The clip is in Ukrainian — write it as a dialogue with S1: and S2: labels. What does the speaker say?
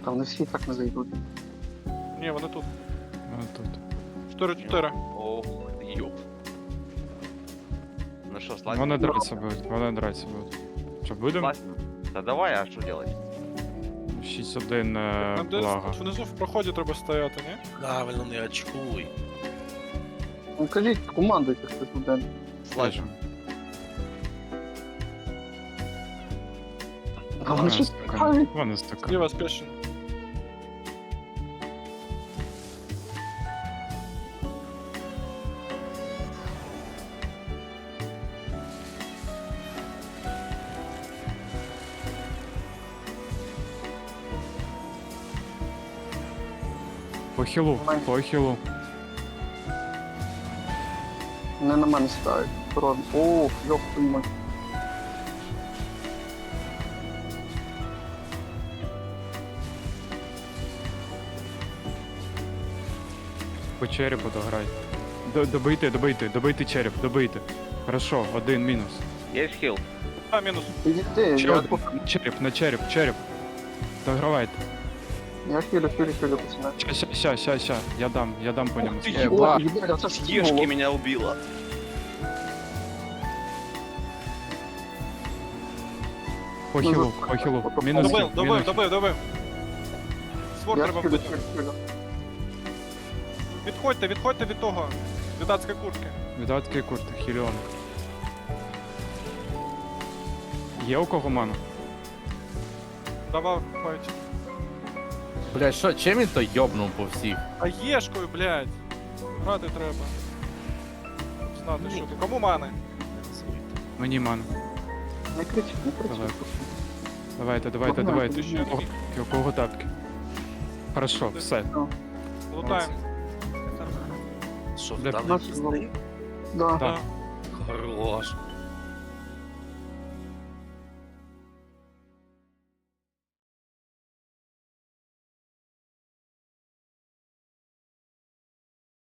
S1: Там не всі так не зайдуть.
S2: Ні, вони тут.
S3: Тут.
S2: 4-4.
S4: Ох, ёп. Ну что, слазим?
S3: Вони драться будуть, вони драться будуть. Що, будемо?
S4: Слазим? Да давай, а что делать?
S3: 6-1
S2: Нам десь
S3: блага.
S2: внизу в проході треба стояти, ні?
S5: Правильно, не очкуй.
S1: Ну кажіть, командуйте хтось один.
S4: Слазим.
S1: А вони щось цікаві.
S3: Вони стикають.
S2: Зліва спешен.
S3: По хілу, по хілу.
S1: Не на мене сідають. Природно. О, йоп, твою мать.
S3: По черепу дограй. Добийте череп, добийте. Хорошо, один мінус.
S4: Есть хил?
S2: А, мінус.
S1: Ідіть,
S3: Ще один. Череп. Догравайте.
S1: я хилю, пацани.
S3: Ща. Я дам по ньому.
S1: О, їбать, а це ж
S4: Ешки
S1: було.
S4: меня убила.
S3: По хілу. Мінус хіл.
S2: Добив. Свор
S1: Я
S2: треба
S1: хилю,
S2: вбити.
S1: хилю.
S2: Відходьте від того. Від адської куртки.
S3: Віддатки курти, хіліон. Є у кого ману?
S2: Давай, файт.
S5: Блядь, що, чим він то йобнув по всіх?
S2: А єшкою, блядь. Грати треба. Знати, що ти. Кому мани?
S3: Мені ману.
S1: Не кричіть, не кричіть.
S3: Давайте.
S2: Ще
S3: У кого тапки? Хорошо, все.
S2: лутаємо.
S5: Що,
S3: Де-
S5: вдали
S1: Нас
S5: пізни?
S1: Да.
S3: Так.
S5: Хорош.